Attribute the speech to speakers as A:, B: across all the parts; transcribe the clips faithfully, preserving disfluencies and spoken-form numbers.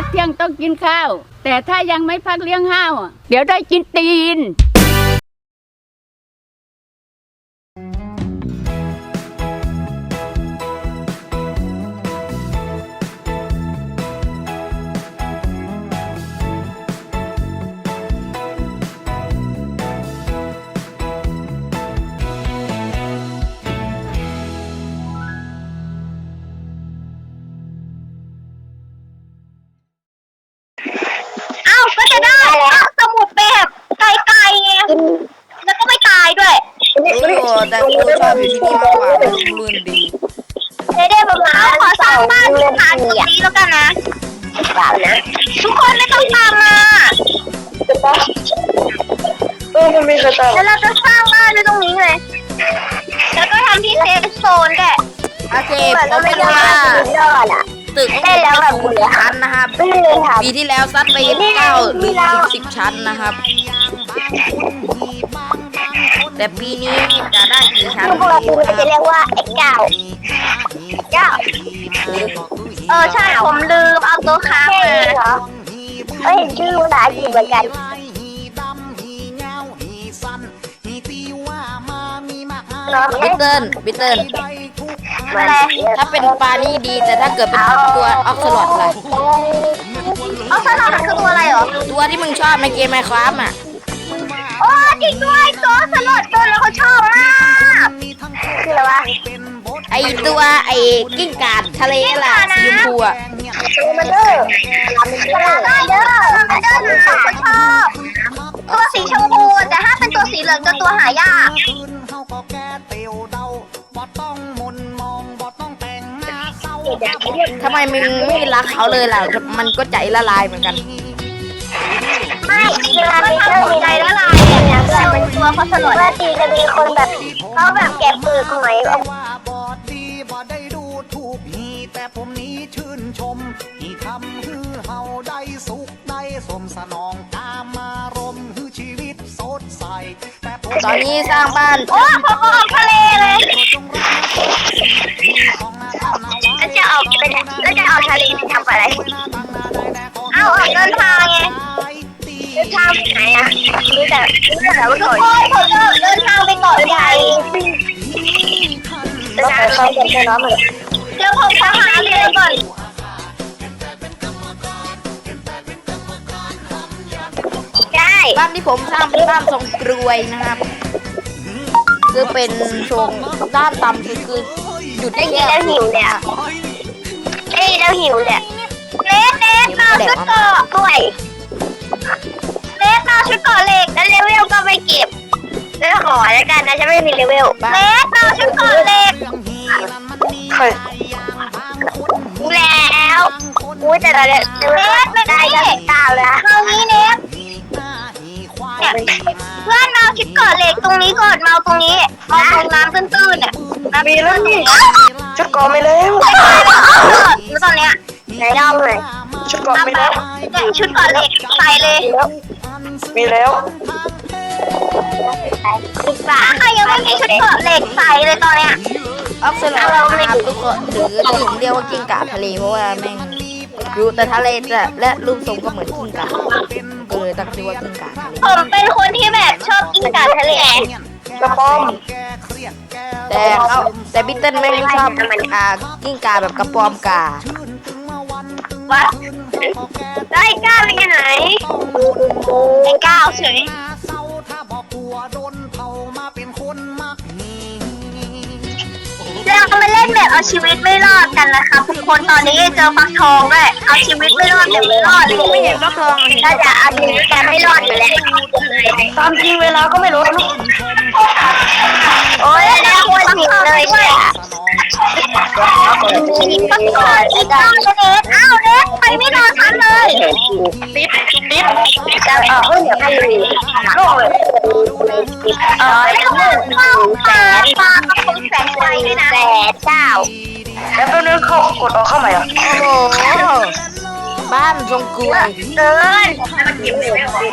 A: เที่ยงต้องกินข้าวแต่ถ้ายังไม่พักเลี้ยงห้าวเดี๋ยวได้กินตีน
B: ก็จะได้สมุดแบบไกลๆไงแล้วก็ไม่ตายด้วย
C: รู้อยู่แต่กูชอบอยู่ที่นี่มากกว่ามันลื่นดี
B: ได้ได้ประมาณขอสร้างบ้านที่ฐานตรงนี้แล้วกันนะทุกคนไม่ต้องตามมา
D: เออมันมีกระต่าย
B: แล้วเราจะสร้างบ้านในตรงนี้เลยแล้วก็ทำที่เซฟโซนด้วย
C: โอเคผมไม่รู้ว่าตึกได้แล้วแบบกี่ชั้นนะครับปีที่แล้วซัดไปเก้าหรือถึงสิบชั้นนะครับแต่ปีนี้จะได้กี่ชั้น
B: พวกเราคือจะเรียกว่าไอ้เก้าเก้าเออใช่ผมลืมเอาตัวค้างมาเอ้ยชื่อภาษาอังกฤษเหมือนกัน
C: บิทเทิลบิทเทิลถ้าเป็นปลานี่ดีแต่ถ้าเกิดเป็นตัวออกสลอดล่ะ
B: ออกสลอดคือตัวอะไรเหรอ
C: ตัวที่มึงชอบในเกมไมน์คราฟต์อ่ะ
B: โอ้จริงด้วยตัวสลอดตัวแล้วเขาชอบมากคืออะไรวะ
C: ไอตัวไอกิ้งก่าทะเลล่ะสีชมพูอ่ะ
B: มันเด้อมันเด้อมันเด้อนะเขาชอบตัวสีชมพูแต่ถ้าเป็นตัวสีเหลืองจะตัวหายาก
C: ทำไมมึงไม่รักเขาเลยล่ะมันก็ใจละลายเหมือนกัน
B: ไม่เวลาไปเจอมีใจละลายเนี่ยเวลาเป็นตัวเขาสลดว่าตีจะมีคนแบบเขาแบบแกะเปลือกหอย
E: แต่ผมนี้ชื่นชมที่ทำให้เฮาได้สุขได้สมสนองตามมารมให้ชีวิตสดใสแต่
C: ตอนนี้สร้างบ้าน
B: โอ้เขาออกทะเลเลยแล้วจะออกไปแล้วจะออกทะเลทำอะไรเอาออกเดินทางไงเดินทางไปไหนอ่ะรู้แต่รู้แต่ว่าทุกคนผมจะเดินทางไปเกาะใหญ่เดินทางไปเกาะใหญ่น้ำเลยเดี๋ยวผมจะหาเรียนก่อนใช่
C: บ้านที่ผมสร้างเป็นบ้านทรงกรวยนะครับคือเป็นทรงด้านต่ำสุดคือหยุดได้แค่
B: แล้วหิวเนี่ยเอ้ยแล้วหิวเนี่ยเล็กเล็กมาชุดเกาะด้วยเล็กมาชุดเกาะเหล็กแล้วเลเวลก็ไม่เก็บแล้วขอแล้วกันนะฉันไม่มีเลเวลเล็กมาชุดเกาะเหล็กแล้วอุ้ยแต่เราเนี่ยเน็ตไม่ได้ก็ตาแล้วตรงนี้เน็ตเนี่ยเพื่อนมาชุดเกาะเหล็กตรงนี้ก่อนมาตรงนี้มาตรงน้ำตื้นๆเนี่ย
D: มีแล้วนี่ชุดเกาะไม่แล้ว
B: แล้วตอนเนี้ยไหนเล่าเลย
D: ชุดเกาะไม่แล้ว
B: แต่ชุดเกาะเหล็กใส่เลย
D: มีแล้ว
B: ฝาใครยังไม่มีชุดเกาะเหล็กใส่เลยตอนเนี้ย
C: ออกสลอดนะครับทุกคนหรือถึงเรียกว่ากิ้งก่าทะเลเพราะว่าแม่งรู้แต่ทะเลแต่และรูปทรงก็เหมือนกิ้งก่าก็เลยตั้งชื่อว่ากิ้งก่าทะเล
B: ผมเป็นคนที่แบบชอบกิ้งก่าทะเล
D: กระป๋อม
C: แต่เขาแต่บิทเทิลไม่ชอบอ่ากิ้งก่าแบบกระป๋อมกา
B: วัดได้ก้าวไปกันไหนไอ้ก้าวเฉยเรามาเล่นแบบเอาชีวิตไม่รอดกันนะคะทุกคนตอนนี้เจอฟักทองด้วยเอาชีวิตไม่รอดแต่ไม่รอดเลยไม่เห็นฟักทองเราจะเอาชีวิตแต่ไม่รอดอยู่แล้ว
D: ตามจริงเวลาก็ไม่รู้นะ
B: โอ้ยแล้วควรผิดเลยใช่ไหมฟักทองอีกเก้าเน็ตอ้าวเน็ตไปไม่นอนทันเลย
D: ติดติด
B: จะเออเดี๋ยวให้ดูโลกเลยเออแล้วก็แสนปลากระพงแสนไฟด้วยนะแสนเก้า
D: แล้วตัวนึงเขากดออกเข้าใหม่อ่ะ
C: โอ้โหบ้านทรงกรวย
B: เกินมันเก็บเลยไม่หมด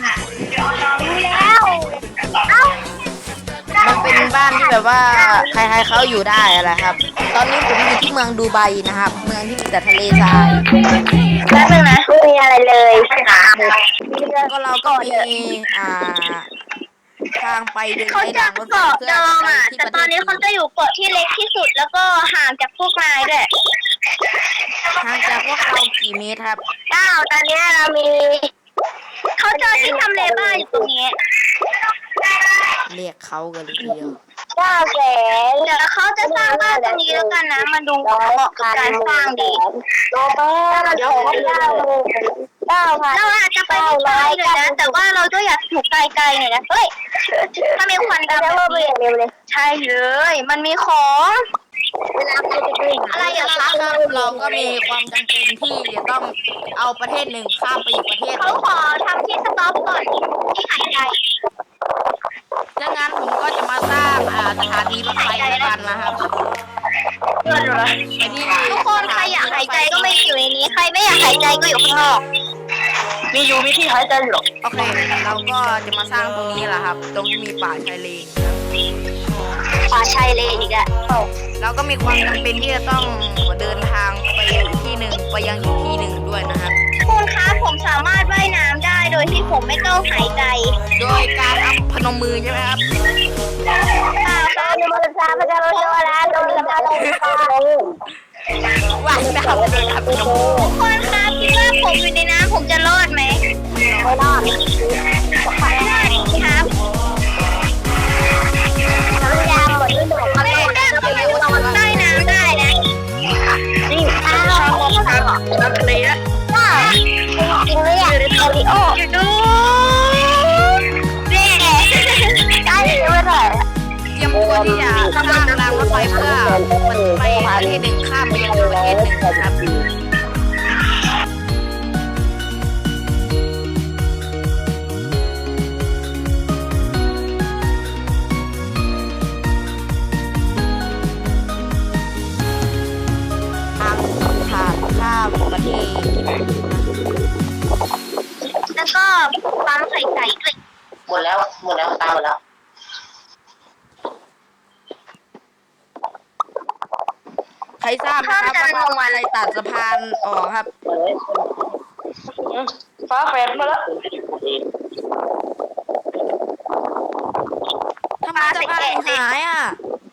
B: แล้วเอ้า
C: มันเป็นบ้านที่แบบว่าใครๆเขาอยู่ได้อะไรครับ ตอนนี้ผมอยู่ที่เมืองดูไบนะครับเมืองที่มีแต่ทะเลทราย
B: แป๊บนึงนะ
C: ก็เราก็มีอ่าทางไปเดิน
B: เขา
C: ใน
B: จะ
C: ทางรถไฟ
B: เกาะ
C: เพื่
B: เดิ
C: อ
B: ม
C: ไป
B: อ่ะ
C: ที่
B: แต่
C: ประ
B: ต
C: เท
B: อน
C: ศ
B: นี้เขาจะอยู่เกาะที่เล็กที่สุดแล้วก็ห่างจากพวกนายด้วย
C: ห่างจากพวกเรากี่เมตรครับ
B: เก้าตอนนี้เรามีเขาเจอที่ทำเลบ้านอยู่ตรงนี้
C: เรียกเขากันเลยทีเดียว
B: เก้าแสนเดี๋ยวเขาจะสร้างบ้านตรงนี้แล้วกันนะมาดูเหมาะกับการสร้างดีโตไปเดี๋ยวเก้าเก้าพันเราอาจจะไปไม่ไกลเลยนะแต่ว่าเราก็อยากอยู่ไกลๆหน่อยนะเฮ้ยถ้ามีควันดำแบบนี้ใช่เลยมันมีของเวลาใครจะไปอะไรอย่าง
C: ค
B: เงี้
C: รับ
B: ย
C: เราก็มีความจำเป็นที่จะต้องเอาประเทศหนึ่งข้ามไปอีกประเทศห
B: เขา
C: นึ่ง
B: ขอทำที่สต็อปก่อนที่หายใจ
C: ดังนั้นผมก็จะมาสร้างอ่าสถานีรถไฟแล้วกันนะครับ
B: เพื่อนเหรอ
C: ไปที่
B: ทุกคนใครอยากหายใจก็ไม่อยู่ในนี้ใครไม่อยากหายใจก็อยู่ข้างนอก
D: มีอยู่มีที่หายใจอยู่หรอ
C: โอเค เราก็จะมาสร้างตรงนี้แหละครับ ตรงที่มีป่าชายเลน
B: ป่าชายเลนอีกอะ
C: เราก็มีความจำเป็นที่จะต้องเดินทางไปอีกที่หนึ่งไปยังอีกที่หนึ่งด้วยนะครับ
B: คุณคะผมสามารถว่ายน้ำได้โดยที่ผมไม่ต้องหายใจ
C: โดยการอัพพนมมือใช่ไหมครับ
B: ป่าป่าโนมซาพระเจ้าโชว์ร้านโดนละมาลงป่า
C: ว่ายน้ำเลยครับพนมมือ
B: ทุกคนคะคิดว่าผมอยู่ในน้ำผมจะรอดไหมไม่รอดไม่รอดครับน้ำยาหมดฤดูไม่ได้เข้าไปใต้น้ำได้นะ
D: นี่ชาวมองทางทางทะเลอะ
B: ว้าวจริงๆเลยอ่ะโอริโออยู่ดูเน่ได้ยังไม่ได้
C: เตรียมตัวที่จะสร้างรางรถไฟเพื่อมันไปประเทศหนึ่งข้ามไปยังประเทศหนึ่งนะครับ ทางผ่านข้ามประเทศ
B: แล้วก็ปั๊มไข่ไก่ด้วย
D: หมดแล้วหมดแล้วตามหมดแล้ว
C: ใครทราบนะครับว่าอะไรตัดสะพานออกครับ
D: ฟ้าแฝดมาแล้ว
C: ทำไมสะพานถึงหายอ่ะ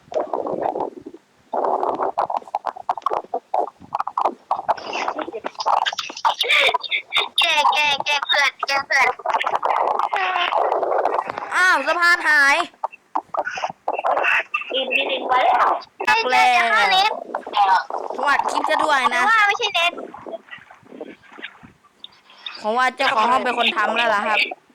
B: แกแกแกเพื่อนแกเพื่อน
C: อ้าวสะพานหาย
D: ดินดินดินไปแล้ว
C: ตักแล้ว
B: ห้าเน็ต
C: สวัสดีจะด้วย
B: หรือ
C: นะ
B: ว่าไม่ใช่เน็ต
C: ผมว่าเจ้าของห้องเป็นคนทำแล้วล่ะครับ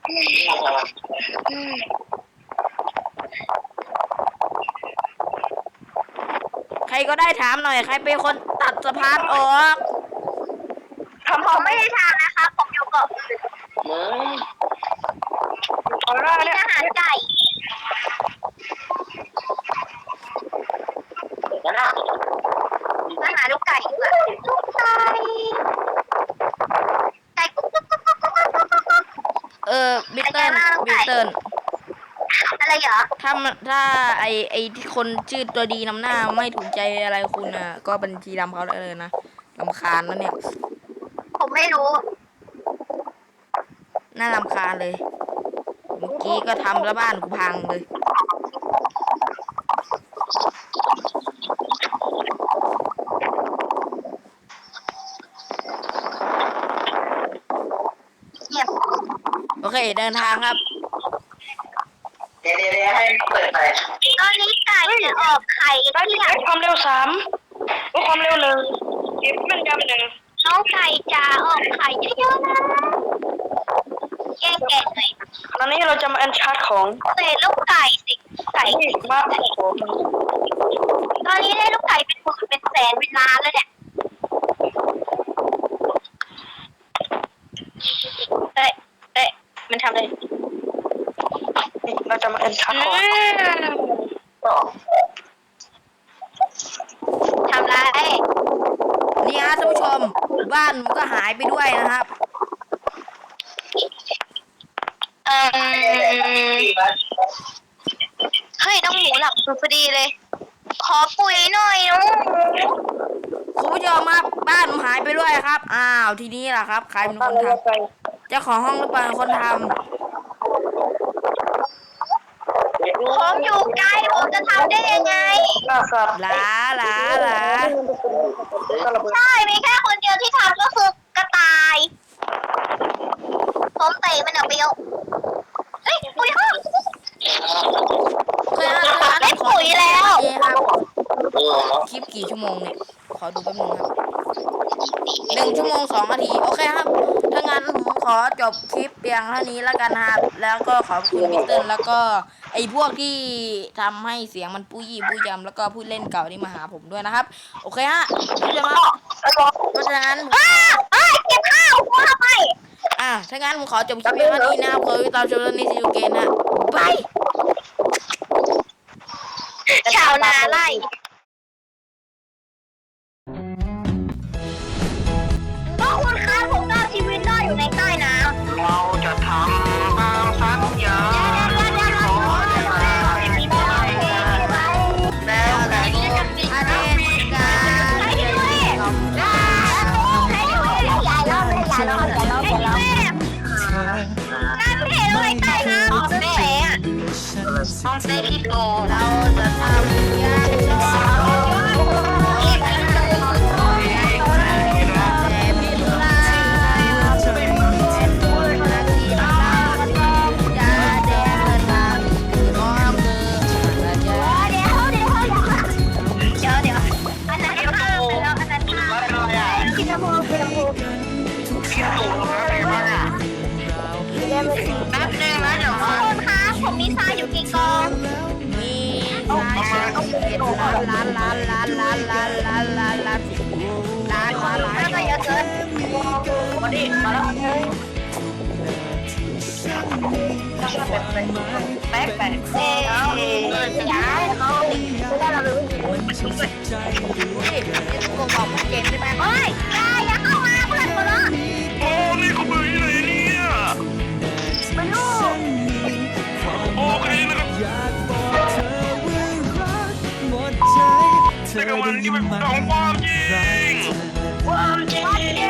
C: ใครก็ได้ถามหน่อย ใครเป็นคนตัดสะพานออก
B: ผมไม่ได้ทำนะคะผมอยู่เกาะอื่น
D: มึงเอาละ
B: มี
D: เนี่ย
B: อาหารไก่
D: นั่นน่ะ
B: อาหารลูกไก่ดีกว่าลูกไก่ไก่กุ๊กกุ๊กกุ๊กกุ๊กกุ๊กกุ๊กกุ๊กกุ๊ก
C: เออบิตเติ้ลบิตเติ้ล
B: อะไรเหรอ
C: ถ้ามันถ้าไอไอที่คนชื่อตัวดีนำหน้าไม่ถูกใจอะไรคุณอ่ะ ก็บัญชีดำเขาได้เลยนะรำคาญแล้วเนี่ย
B: ผมไม่รู้
C: น่ารำคาญเลย เมื่อกี้ก็ทำแล้วบ้านกูพังเลย
B: เงียบ
C: โอเคเดินทางครับ
D: เดี๋ยวเดี๋ยวเดี๋ยวให้เปิดไป
B: ตอนนี้ไก่จะออกไข่
D: ได้
B: ที่
D: ที่
B: อยาก
D: ความเร็วสามความเร็วหนึ่งเก็บมันยำหนึ่ง
B: น้องไก่จะออกไข่เยอะๆนะแกะแกะหน่อย
D: ตอนนี้เราจะมาอันชาร์จของ
B: เศษลูกไก่สิไก่
D: นี่มาโอ้โห
B: ตอนนี้ได้ลูกไก่เป็นหมื่นเป็นแสนเป็นล้านแล้วเนี่ยเอ๊ะเอ๊ะมันทำอะไร
D: นี่เราจะมาอันชาร์จของ
B: ทำไร
C: นี่ฮะท่านผู้ชม บ้านมันก็หายไปด้วยนะครับ
B: เออเฮ้ยน้องหมูหลับพอดีเลย ขอปุ๋ยหน่อยน้องหมู
C: คุณผู้ชมครับบ้านผมหายไปด้วยครับ อ้าวทีนี้ล่ะครับ ใครเป็นคนทำเจ้าของห้องหรือเปล่าคนท
B: ผมอยู่ไกลผมจะทำได้ยังไง
D: ครับ
C: ำหลาหลาหลา
B: ใช่ มีแค่คนเดียวที่ทำก็คือกระต่าย ผมเตะมันออกไปเอาเฮ้ยปุ๋ยห้อง
C: เคยอ่านเคยอ่าน
B: ได้ปุ๋ยแล้ว
C: เอ๊ะครับคลิปกี่ชั่วโมงเนี่ย ขอดูแป๊บนึงครับหนึ่งชั่วโมงสองนาที โอเคครับ ถ้างั้นผมขอจบคลิปเพียงเท่านี้แล้วกันนะครับ แล้วก็ขอบคุณพี่เติ้ลแล้วก็ไอ้พวกที่ทำให้เสียงมันปุ้ยปุ้ยยำแล้วก็ผู้เล่นเก่าที่มาหาผมด้วยนะครับ โอเคฮะพี่จะมาเพราะฉะนั้น
B: อ้าเอ้ยเก็บข้าวกูทำไม
C: อ่ะถ้างั้นผมขอจบคลิปเพียงเท่านี้นะครับขอติดตามชมเรื่องนี้ซีอูเกนนะบาย
B: ชาวนาไล่ก็คุณคะผมรอดชีวิตรอดอยู่ในใต้น้ำ
D: เราจะทำตามสัญญาที่ขอได้มาให้ได้แล้วแต่
C: อาเดนการ
B: ให้ด้วยให้ด้วยอย่าล้อเลยอย่าล้ออย่าล้ออย่าล้อการเห็นอะไรใต้น้ำของแสง
D: ห้องเซฟิโก
C: เราจะทำอย่างไรแต่พิมลาเป็นคนรักที่รักจะแดงเงินมาคือน้องคือพระเจ้า
B: เดี๋ยวเดี๋ยวเดี๋ยวเดี๋ยวอันนั้นข้าวแล้วอันนั้นข้าวกินน้ำมูกินน้ำมู
D: คิดถูกแล้วเป็นไงบ้างอ่ะแป๊บนึงนะเดี๋ยว
B: ขอบคุณค่ะผมมีทรายอยู่กี่กอง
C: มีล้านล้านล้านล้านล้านล้านล้านล้านล้านล้านล้านล้านล้านล้าน
B: น่าจะเยอะเกิน
D: มาดิมาแล้วแป๊กแป๊ก
B: เอ๊ะย้ายเขาไม่ได้เรารู้
C: นี่นี่กูบอกมึงเก่งใช่ไหม
B: โอ้ยอย่าอย่าเข้ามาเพื่อนกูเนาะ
D: โอ้นี่เขาเบื่อที่ไหนเนี่ย
B: ไม่รู้
D: โอเคนะครับแต่กับมันที่เป็นของความจริงความจริง